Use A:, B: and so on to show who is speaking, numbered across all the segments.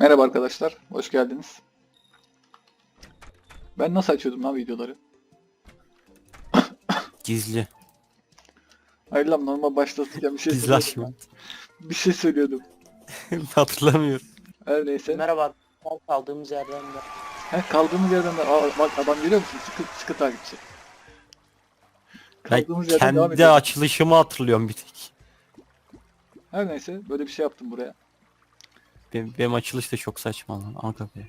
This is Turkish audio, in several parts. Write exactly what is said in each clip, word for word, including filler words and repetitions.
A: Merhaba arkadaşlar, hoş geldiniz. Ben nasıl açıyordum lan videoları?
B: Gizli.
A: Hayır lan, normal başlatırken bir şey
B: Gizli
A: söylüyordum
B: açma.
A: ben. Bir şey söylüyordum.
B: Hatırlamıyorum.
A: Her neyse.
C: Merhaba. Kaldığımız yerden de.
A: He, kaldığımız yerden de... Aa, bak adam görüyor musun? Sıkı, sıkı takipçi.
B: Ben
A: Kaldığımız yerden devam
B: kendi
A: ediyoruz.
B: açılışımı hatırlıyorum bir tek.
A: Her neyse, böyle bir şey yaptım buraya.
B: Benim, benim açılış da çok saçma lan. Aga be.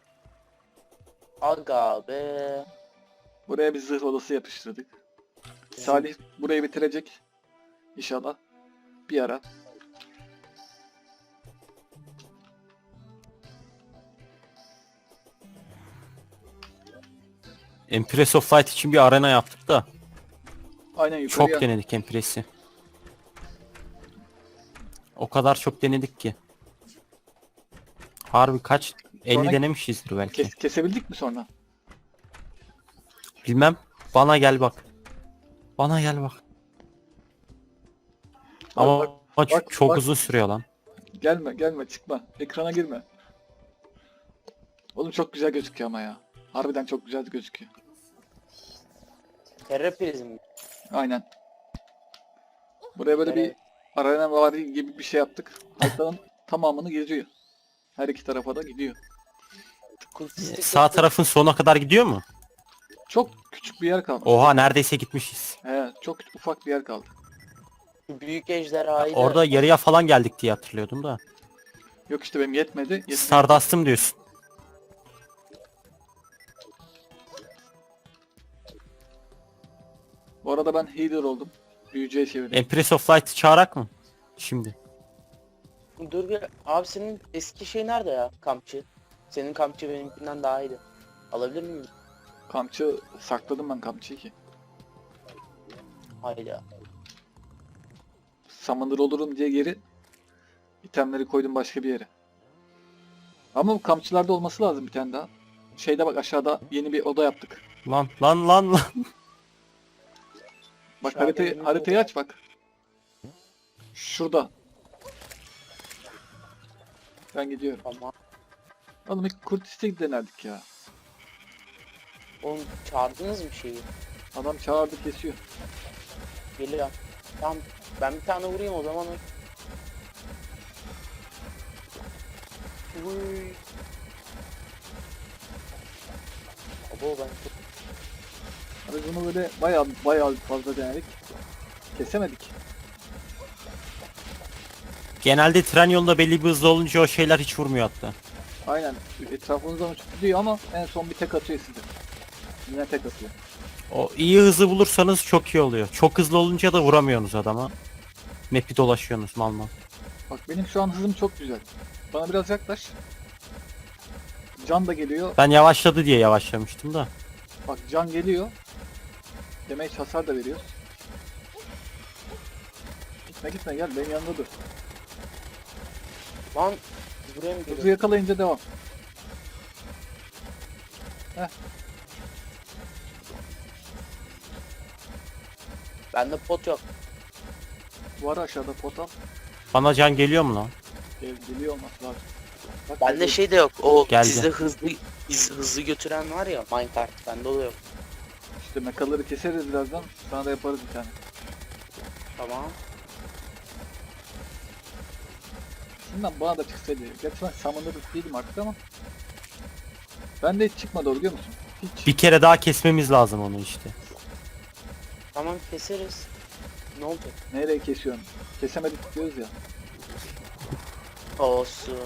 C: Aga be.
A: Buraya bir zırh odası yapıştırdık. Salih burayı bitirecek. İnşallah. Bir ara.
B: Empress of Light için bir arena yaptık da.
A: Aynen yukarıya.
B: Çok denedik Empress'i. O kadar çok denedik ki. Harbi kaç? elli
A: Sonra
B: denemişizdir belki.
A: Kes, kesebildik mi sonra?
B: Bilmem. Bana gel bak. Bana gel bak. Ama
A: bak,
B: ama
A: bak,
B: çok
A: bak.
B: uzun sürüyor lan.
A: Gelme gelme çıkma. Ekrana girme. Oğlum çok güzel gözüküyor ama ya. Harbiden çok güzel gözüküyor.
C: Terra prizm.
A: Aynen. Buraya böyle bir
C: Evet.
A: arena vari gibi bir şey yaptık. Haritanın tamamını geziyor. Her iki tarafa da gidiyor.
C: Kultistik
B: Sağ tarafın sonuna kadar gidiyor mu?
A: Çok küçük bir yer kaldı.
B: Oha neredeyse gitmişiz.
A: He, çok ufak bir yer kaldı.
C: büyük ejderhayı da-
B: Orada yarıya falan geldik diye hatırlıyordum da.
A: Yok işte benim yetmedi. yetmedi.
B: Stardust'ım diyorsun.
A: Bu arada ben healer oldum. Büyücüye çevirdim.
B: Empress of Light'ı çağırak mı? Şimdi.
C: Dur bir abi, senin eski şey nerede ya, kampçı? Senin kampçı benimkinden daha iyiydi. Alabilir miyim?
A: Kamçı sakladım ben kamçıyı ki.
C: Hayda.
A: Summoner olurum diye geri itemleri koydum başka bir yere. Ama bu kamçılarda olması lazım bir tane daha. Şeyde bak, aşağıda yeni bir oda yaptık.
B: Lan lan lan lan.
A: Bak
C: Aşağıda
A: haritayı,
C: yeni bir
A: haritayı
C: oda.
A: aç bak. Şurada. Ben gidiyorum.
C: Tamam.
A: Oğlum ilk Kurtis'e denerdik ya.
C: Oğlum çağırdınız mı şeyi?
A: Adam çağırdı kesiyor.
C: Geliyor. Tamam. Ben bir tane vurayım o zaman. Uy. Abo ben çok...
A: Biz bunu böyle bayağı bayağı fazla denedik. Kesemedik.
B: Genelde tren yolunda belli bir hızlı olunca o şeyler hiç vurmuyor hatta.
A: Aynen. Etrafınızdan uçup gidiyor ama en son bir tek atıyor size. Yine tek atıyor.
B: O iyi hızı bulursanız çok iyi oluyor. Çok hızlı olunca da vuramıyorsunuz adama. Map'i dolaşıyorsunuz mal mal.
A: Bak benim şu an hızım çok güzel. Bana biraz yaklaş. Can da geliyor.
B: Ben yavaşladı diye yavaşlamıştım da.
A: Bak can geliyor. Damage hasar da veriyor. Gitme gitme gel benim yanımda dur.
C: Lan buraya mı
A: Hızı
C: geliyor?
A: yakalayınca devam. Heh.
C: Bende pot yok.
A: Var aşağıda portal.
B: Bana can geliyor mu lan?
A: Gel, geliyor olması lazım. Bak,
C: Bende
A: geliyor.
C: şey de yok. O
B: Geldi.
C: sizde hızlı iz- hızlı götüren var ya, minecart, bende oluyor.
A: İşte mekaları keseriz birazdan. Sana da yaparız bir tane.
C: Tamam.
A: Şundan bana da çıksaydı. Gerçi ben summoner değilim artık ama. Ben de hiç çıkmadı o, biliyor musun? Hiç.
B: Bir kere daha kesmemiz lazım onu işte.
C: Tamam keseriz. Ne olacak?
A: Nereye kesiyorsun? Kesemedik diyoruz ya.
C: Olsun.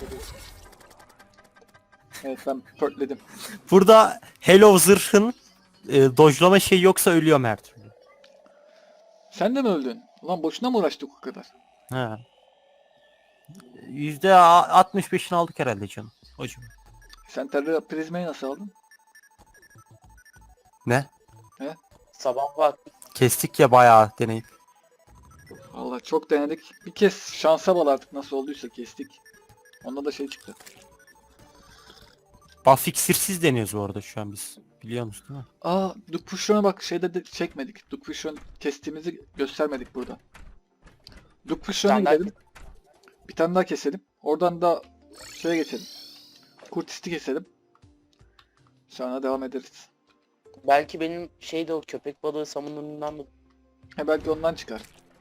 A: Evet ben pörtledim.
B: Burada Hello zırhın e, dojlama şey yoksa ölüyorum her türlü.
A: Sen de mi öldün? Ulan boşuna mı uğraştık o kadar?
B: Ha. yüzde altmış beşini aldık herhalde canım. Hocam.
A: Sen terör prizmayı nasıl aldın?
B: Ne?
C: Sabah vakti
B: Kestik ya bayağı deneyip.
A: Vallahi çok denedik. Bir kez şansa bağlı artık, nasıl olduysa kestik. Onda da şey çıktı.
B: Buff iksirsiz deniyoruz bu arada şu an biz. Biliyor musun değil mi?
A: Aa, Duke Pusher'ına bak, şeyde de çekmedik. Duke Pusher'ın kestiğimizi göstermedik burada. Duke Pusher'ına
C: Sen daha-
A: gidelim. Bir tane daha keselim. Oradan da Şuraya geçelim. Kurtisti keselim. Sonra devam ederiz.
C: Belki benim şey de o köpek balığı samunlarından mı?
A: He belki ondan çıkar.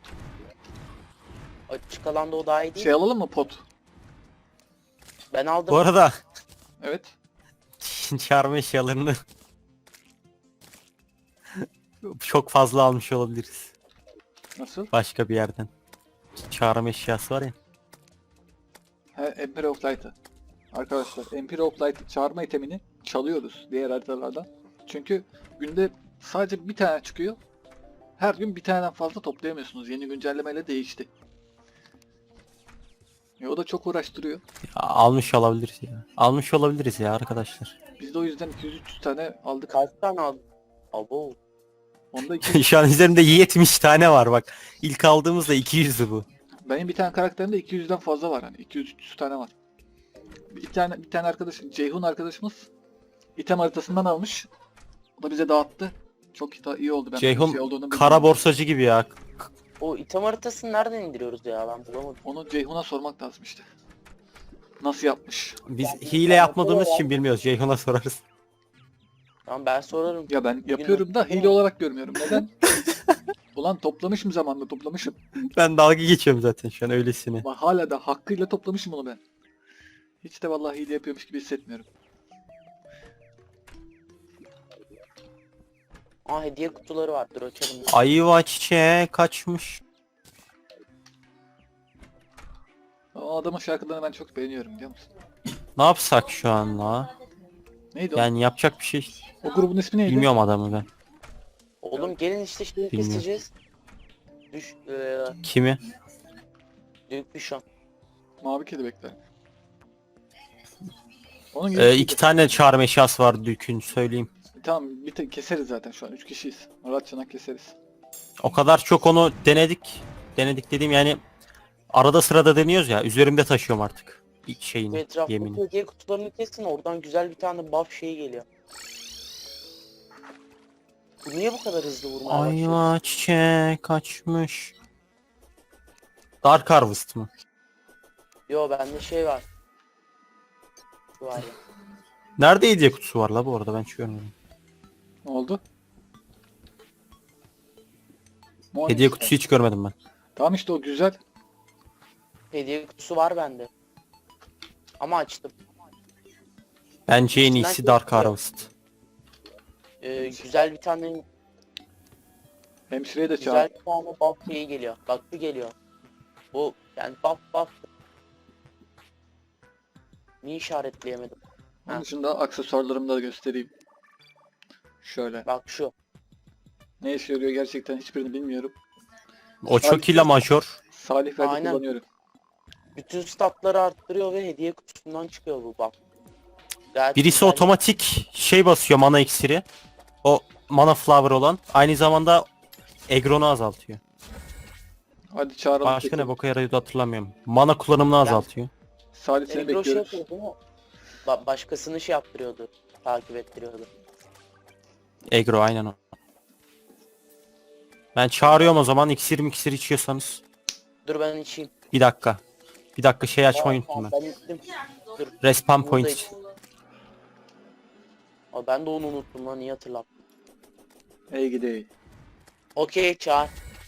C: Açık alanda o daha iyi değil
A: Şey
C: mi?
A: alalım mı pot?
C: Ben aldım.
B: Bu arada
A: Evet.
B: çağırma eşyalarını çok fazla almış olabiliriz.
A: Nasıl?
B: Başka bir yerden. Çağırma eşyası var ya.
A: He Empire of Light'ı. Arkadaşlar Empire of Light çağırma itemini çalıyoruz diğer haritalardan. Çünkü günde sadece bir tane çıkıyor. Her gün bir taneden fazla toplayamıyorsunuz. Yeni güncellemeyle değişti. E, o da çok uğraştırıyor.
B: Ya, almış olabiliriz ya. Almış olabiliriz ya arkadaşlar.
A: Biz de o yüzden iki yüz üç yüz tane aldık.
C: Kaç tane aldım? Abo.
A: Onda iki...
B: Şu an üzerimde yetmiş tane var bak. İlk aldığımızda iki yüzdü bu.
A: Benim bir tane karakterimde iki yüzden fazla var hani. iki yüz üç yüz tane var. Bir tane bir tane arkadaş, Ceyhun arkadaşımız item haritasından almış. O da bize dağıttı. Çok da iyi oldu. Ben
B: Ceyhun
A: şey olduğunu
B: kara
A: bilmiyorum.
B: borsacı gibi ya.
C: O item haritasını nereden indiriyoruz ya, ben bulamadım.
A: Onu Ceyhun'a sormak lazım işte. Nasıl yapmış?
B: Biz hile yapmadığımız için bilmiyoruz. Ceyhun'a sorarız.
C: Tamam, ben sorarım.
A: Ya ben yapıyorum da hile olarak görmüyorum. Neden? Ulan toplamışım zamanında toplamışım.
B: Ben dalga geçiyorum zaten şu an öylesine.
A: Bak hala da hakkıyla toplamışım onu ben. Hiç de vallahi hile yapıyormuş gibi hissetmiyorum.
C: Aa, hediye kutuları var, dur açalım.
B: Ayva çiçeğe kaçmış.
A: O adamın şarkılarını ben çok beğeniyorum biliyor musun?
B: Ne yapsak şu an la?
A: Neydi o?
B: Yani yapacak bir şey
A: O grubun ismi neydi?
B: bilmiyorum adamı ben.
C: Oğlum gelin işte şimdi
B: Bilmiyorum.
C: keseceğiz. Düş, eee,
B: Kimi?
C: Dük Bişon.
A: Mavi kelebekler. Onun gibi
B: Ee,
A: bir
B: iki
A: şeydi.
B: tane çağırma eşyası var Dük'ün söyleyeyim.
A: Tamam bir tek keseriz zaten şu an üç kişiyiz. Rahat çanak keseriz.
B: O kadar çok onu denedik. Denedik dediğim yani arada sırada deniyoruz ya. Üzerimde taşıyorum artık. İlk
C: Bu
B: şeyini,
C: etraftaki
B: yemini.
C: hediye kutularını kesin, oradan güzel bir tane buff şeyi geliyor. Bu niye bu kadar hızlı vurmaya başlıyor?
B: Ayva çiçeğe kaçmış. Dark Harvest mı?
C: Yo, bende şey var. Şu var ya.
B: Nerede hediye kutusu var la bu arada ben hiç görmedim.
A: Ne oldu? Morning
B: Hediye
A: Star.
B: kutusu hiç görmedim ben.
A: Tamam işte o güzel.
C: Hediye kutusu var bende. Ama açtım.
B: Bence en
C: İçinden
B: iyisi Dark
C: geçiyor.
B: Harvest.
C: Ee, güzel bir tane
A: Hemşireye de çağır.
C: güzel bir tane buff şeyi geliyor. Bak bu geliyor. Bu yani buff buff. Niye işaretleyemedim?
A: Onun
C: Ha.
A: dışında aksesuarlarımı da göstereyim. Şöyle.
C: Bak şu.
A: Ne işe yarıyor gerçekten hiçbirini bilmiyorum.
B: O çok ile major.
A: Salih verdi
C: Aynen.
A: kullanıyorum.
C: Bütün statları arttırıyor ve hediye kutusundan çıkıyor bu buff. Gayet
B: Birisi
C: güzel.
B: otomatik şey basıyor mana iksiri. O mana flower olan. Aynı zamanda Egron'u azaltıyor.
A: Hadi çağıralım.
B: Başka
A: peki.
B: ne boka yarıyordu hatırlamıyorum. Mana kullanımını azaltıyor.
A: Salih seni
C: Egro şey
A: bekliyoruz.
C: yapıyor değil mi? Ba- başkasını şey yaptırıyordu. Takip ettiriyordu.
B: Egro aynen o. Ben çağırıyorum o zaman iksir miksir içiyorsanız.
C: Dur ben içeyim.
B: Bir dakika. Bir dakika şey açmayı
C: Tamam,
B: unuttum ben.
C: ben içtim. Dur.
B: Respawn
C: Bunu da
B: point.
C: içtim. Aa, ben de onu unuttum lan, iyi hatırlattın.
A: Ey gidey.
C: Okey çağır.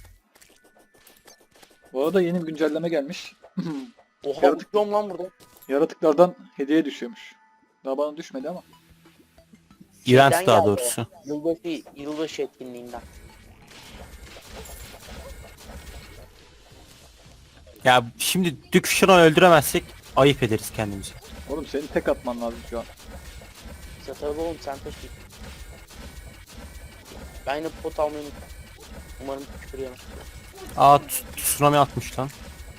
A: Bu arada yeni bir güncelleme gelmiş.
C: Oha,
A: Yaratık-
C: uçuyorum lan burada.
A: Yaratıklardan hediye düşüyormuş. Daha bana düşmedi ama.
C: Şeyden
B: Event daha
C: geldi o.
B: doğrusu.
C: Yılbaşı, yılbaşı etkinliğinden.
B: Ya şimdi Düküşan'ı öldüremezsek ayıp ederiz kendimize.
A: Oğlum senin tek atman lazım şu an.
C: Satarım oğlum, sen taşı. Ben yine pot almayı unuttum. Umarım küfür yemem.
B: Aa t- tsunami atmış lan.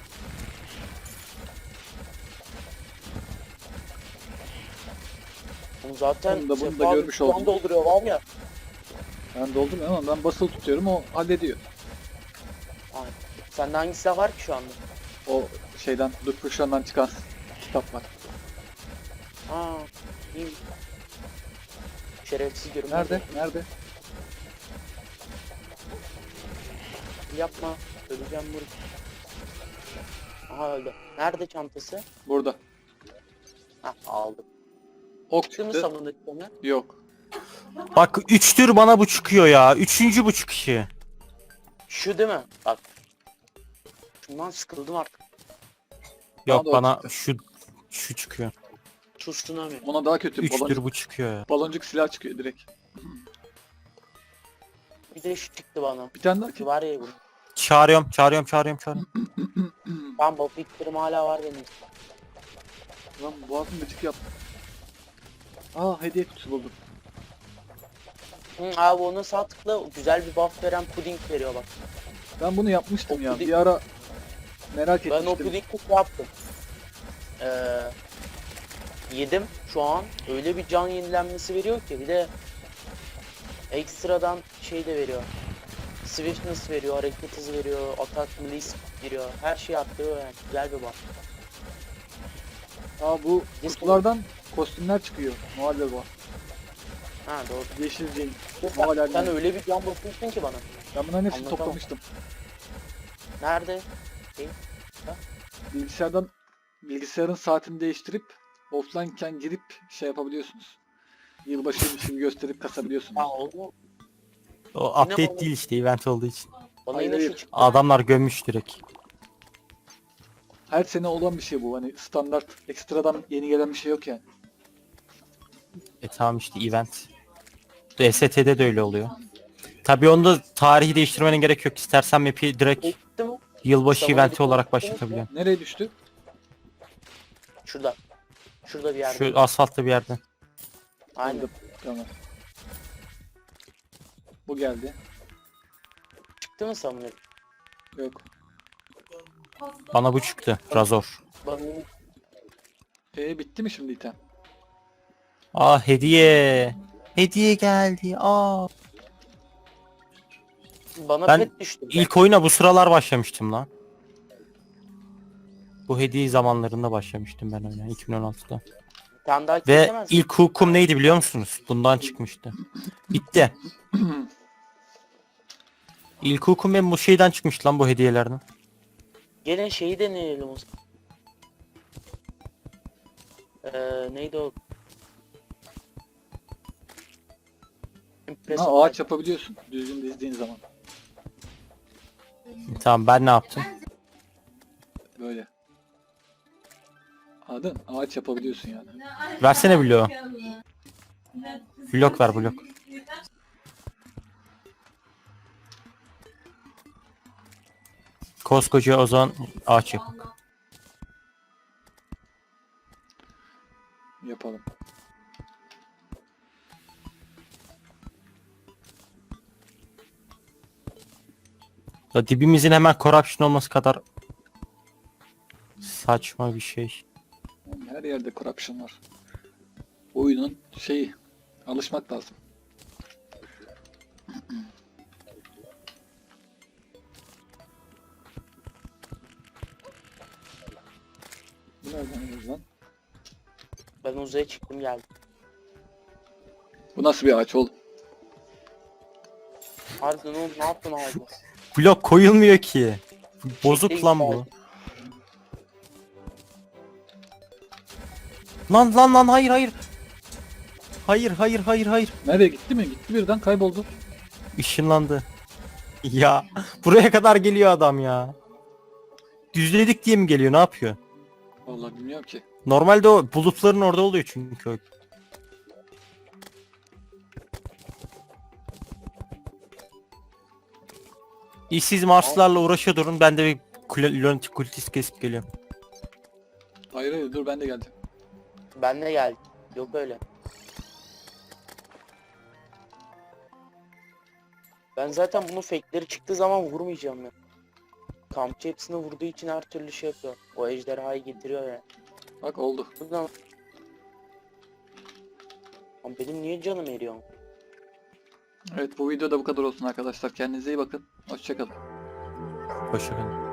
C: Bunu zaten
A: Bunu da- bunu da
C: Sefa abi
A: görmüş
C: şu an
A: oldum.
C: dolduruyor var ya.
A: Ben doldum ama ben basılı tutuyorum o hallediyor.
C: Aynen. Sende hangi silah var ki şu anda?
A: O şeyden Dupuşan'dan çıkan kitap var.
C: Aa, iyi. Şerefsiz görünmez.
A: Nerede? Nerede?
C: Yapma. Öleceğim bunu. Aha öldü. Nerede çantası?
A: Burada.
C: Hah aldım.
A: Ok
C: Çıktı mı
A: çıktı.
C: samındaki sana?
A: Yok.
B: Bak üçtür bana bu çıkıyor ya. Üçüncü bu çıkışı.
C: Şu değil mi? Bak. Şundan sıkıldım artık.
B: Yok
A: da o
B: bana
A: çıktı.
B: şu şu çıkıyor.
C: Tsunami.
A: Ona daha kötü.
B: Üçtür
A: Baloncuk,
B: bu çıkıyor ya.
A: baloncuk silah çıkıyor direkt.
C: Bir de şu çıktı bana.
A: Bir tane daha
C: Şu
A: ki.
C: var ya bu.
B: Çağırıyorum, çağırıyorum, çağırıyorum, çağırıyorum.
C: Ben bu fikrim hala var benim.
A: Lan boğazım gıcık yaptı. Aa hediye kutusu buldum.
C: Hı, abi ona sağ tıkla güzel bir buff veren puding veriyor bak.
A: Ben bunu yapmıştım
C: O
A: ya.
C: puding-
A: Bir ara merak
C: Ben o
A: etmiştim.
C: pudingi şey yaptım. Ee, yedim şu an. Öyle bir can yenilenmesi veriyor ki. Bir de ekstradan şey de veriyor. Swiftness veriyor, hareket hızı veriyor, atak release veriyor. Her şeyi arttırıyor yani. Güzel bir buff.
A: Aa bu kutulardan kostümler çıkıyor. Noel Baba.
C: Ha doğru.
A: Yeşil Jane.
C: Sen,
A: Noel
C: sen
A: Elman.
C: öyle bir can basıyorsun ki bana.
A: Ben bunların hepsini
C: Anlatamam.
A: toplamıştım.
C: Nerede?
A: Bilgisayardan bilgisayarın saatini değiştirip offline'ken girip şey yapabiliyorsunuz. Yılbaşıymış gibi gösterip kasabiliyorsunuz.
C: Ha oldu.
B: O
C: Yine
B: update
C: bana-
B: değil işte, event olduğu için.
C: Bana
A: Hayır,
C: yine şu
A: hayır.
C: çıktı.
B: Adamlar gömmüş direkt.
A: Her sene olan bir şey bu. Hani standart ekstradan yeni gelen bir şey yok yani.
B: E tamam işte event. D S T'de de öyle oluyor. Tabii onda tarihi değiştirmenin gerek yok. İstersen map'i direkt
C: Çıktı mı?
B: yılbaşı
C: Tamam,
B: eventi
C: hadi.
B: olarak başlatabiliyorsun.
A: Nereye düştü?
C: Şurada. Şurada bir yerde.
B: Şu asfaltta bir yerde.
C: Aynen.
A: Buldum. Tamam. Bu geldi.
C: Çıktı mı samuray?
A: Yok.
B: Bana bu çıktı. Razor.
C: Bana
A: E bitti mi şimdi item?
B: Aa hediye. Hediye geldi. Aa.
C: bana
B: Ben
C: pet düştü.
B: İlk oyuna bu sıralar başlamıştım lan. Bu hediye zamanlarında başlamıştım ben oyuna iki bin on altıda.
C: Bir tane daha
B: Ve
C: kesemez mi?
B: ilk hukum neydi biliyor musunuz? Bundan çıkmıştı. Bitti. İlk hukum benim bu şeyden çıkmış lan, bu hediyelerden.
C: Gelin şeyi deneyelim o zaman. Ee, neydi o?
A: Ha, ağaç yapabiliyorsun düzgün dizdiğin zaman.
B: Tamam, ben ne yaptım?
A: Böyle. Anladın mı? Ağaç yapabiliyorsun yani.
B: Versene bloğu. Blok ver, blok. Koskoca o zaman ağaç yap.
A: Yapalım.
B: Ya dibimizin hemen corruption olması kadar saçma bir şey.
A: Her yerde corruption var. Oyunun şeyi. Alışmak lazım. Bu nereden geliyor lan?
C: Ben uzaya çıktım geldim.
A: Bu nasıl bir ağaç oğlum?
C: Harbiden oğlum ne yaptın abi?
B: Blok koyulmuyor ki. Bozuk
C: Çekti
B: lan
C: gitti
B: bu.
C: abi.
B: Lan lan lan, hayır hayır. Hayır hayır hayır hayır.
A: Nereye gitti mi? Gitti birden kayboldu.
B: Işınlandı. Ya buraya kadar geliyor adam ya. Düzledik diye mi geliyor, ne yapıyor?
A: Vallahi bilmiyorum ki.
B: Normalde o bulutların orada oluyor çünkü o. İşsiz Marslılarla uğraşıyor durun, ben de bir kul- Lunatic kultist kesip geliyorum.
A: Hayır hayır dur ben de geldim.
C: Ben de geldim. Yok öyle. Ben zaten bunun fake'leri çıktığı zaman vurmayacağım ya. Kampçı hepsini vurduğu için her türlü şey yapıyor. O ejderhayı getiriyor ya.
A: Bak oldu.
C: Buradan... Lan benim niye canım eriyor?
A: Evet bu videoda bu kadar olsun arkadaşlar. Kendinize iyi bakın. Hoşçakalın.
B: Hoşçakalın.